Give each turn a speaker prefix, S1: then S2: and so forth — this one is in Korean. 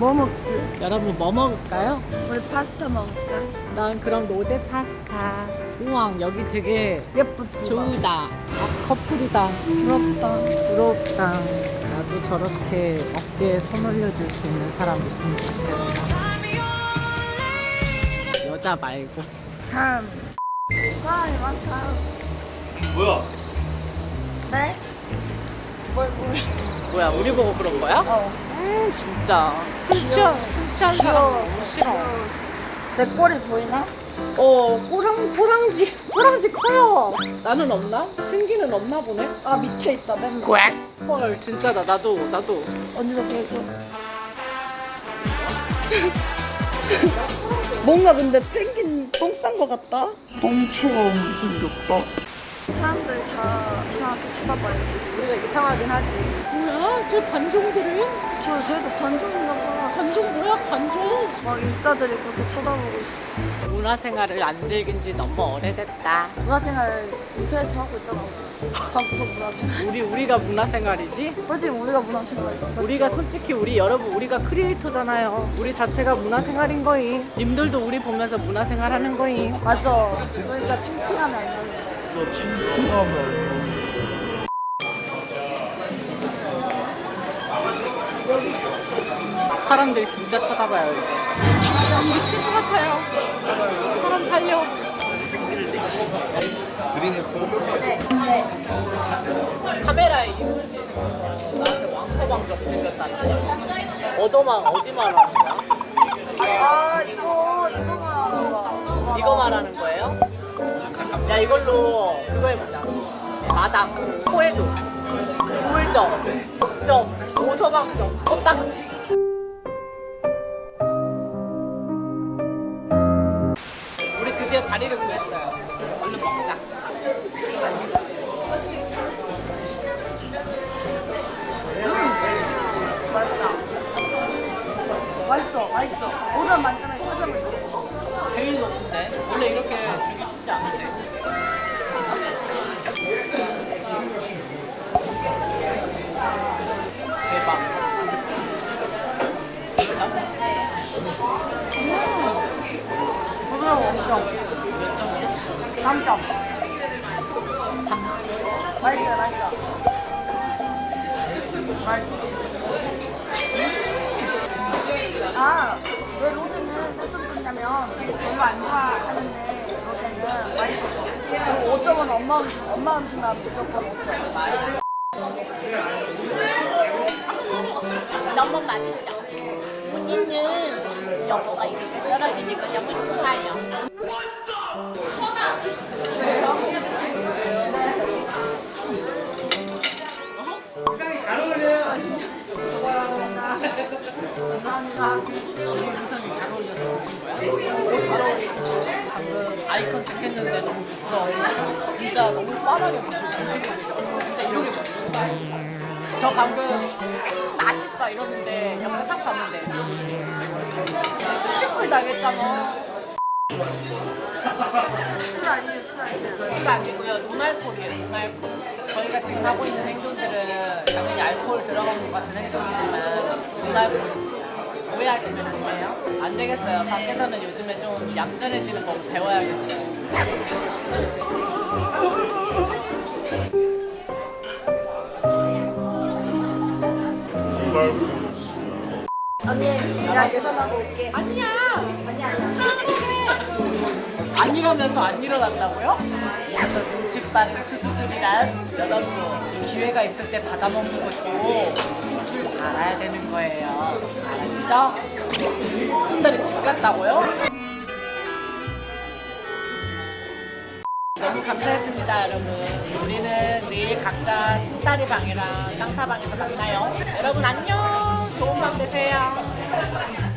S1: 뭐 먹지?
S2: 여러분 뭐 먹을까요?
S1: 우리 파스타 먹을까?
S2: 난 그럼 로제 파스타. 우왕 여기 되게
S1: 예쁘지?
S2: 좋다. 아, 커플이다.
S1: 부럽다.
S2: 부럽다. 나도 저렇게 어깨에 손 올려줄 수 있는 사람 있으면 좋겠다. 여자 말고.
S1: 감. 사람이 많다.
S3: 뭐야?
S1: 네? 뭘?
S2: 뭐야 우리 보고 그런 거야? 진짜 술 취한 사람 너무 싫어.
S1: 내 꼬리 보이나?
S2: 꼬랑지 커요. 나는 없나? 펭귄은 없나 보네.
S1: 아 밑에 있다 맨 밑에.
S2: 꽥. 헐 진짜다. 나도.
S1: 언니도 보여줘. 뭔가 근데 펭귄 똥 싼 거 같다? 똥처럼 생겼다. 사람들 다 이상하게 쳐다봐요.
S2: 우리가 이상하긴 하지. 뭐야? 저 관종들은?
S1: 쟤도 관종인가 봐.
S2: 관종 뭐야? 관종?
S1: 막 인싸들이 그렇게 쳐다보고 있어.
S2: 문화생활을 안 즐긴 지 너무 오래됐다.
S1: 문화생활 인터넷에서 하고 있잖아. 방구석 문화생활.
S2: 우리가 문화생활이지?
S1: 그치 우리가 문화생활이지. 맞죠?
S2: 우리가 솔직히 우리가 크리에이터잖아요. 우리 자체가 문화생활인 거임. 님들도 우리 보면서 문화생활 하는 거임.
S1: 맞아. 그러니까 창피하면 안 되는 거야.
S3: 너 창피하면
S2: 사람들이 진짜 쳐다봐요 이제. 미친 것 같아요. 사람 살려.
S3: 그린 애플?
S1: 네.
S2: 카메라에 나한테 왕서방적 생겼다는데. 어디 말하는 거야?
S1: 아 이거 말하는 거야.
S2: 이거 말하는 거예요? 야 이걸로 그거 해보자. 마당, 코에도, 우물점, 점, 오서방점, 껌딱지. 우리 드디어 자리를 구했어요. 얼른 먹자.
S1: 맛있어. 5점 만점에 4점을 줘.
S2: 제일 높은데? 원래 이렇게 주기 쉽지 않은데. 대박.
S1: 부드러워 엄청.
S2: 몇 점이야?
S1: 3점.
S2: 3점.
S1: 맛있어. 아, 왜 로제는 4점 줬냐면 별로 안 좋아하는데 로제는 맛있어서. 그리고 5점은 엄마 음식만 무조건 5점.
S4: 너무 맛있다. 언니는 여보가 이렇게 떨어지니까 너무 좋아요.
S1: 감사합니다.
S2: 인상이 잘 어울려서 오신 거야?
S1: 잘 어울리시네.
S2: 방금 아이 컨택 했는데 너무 부끄러워. 진짜 너무 빠르게 보시고 계셔. 진짜 이렇게 보시고. 저 방금 맛있어 이러는데 영상 봤는데 수치풀 당했잖아.
S1: 술 아니에요.
S2: 술 아니고요. 노알콜이에요. 노알콜. 저희가 지금 하고 있는 행동들은 당연히 알코올 들어간 것 같은 행동이지만 노알콜. 오해하시면 안 돼요. 안 되겠어요. 밖에서는 요즘에 좀 얌전해지는 법 배워야겠어요.
S1: 언니, 내가 계산하고 올게.
S2: 아니야.
S1: 아니야.
S2: 아니라면서 안 일어난다고요? 그래서 눈치 빠른 투수들이란 여러분 기회가 있을 때 받아먹는 것도 줄 알아야 되는 거예요. 알았죠? 순달이 집 갔다고요? 너무 감사했습니다 여러분. 우리는 내일 각자 순다리 방이랑 쌍타 방에서 만나요. 여러분 안녕. 좋은 밤 되세요.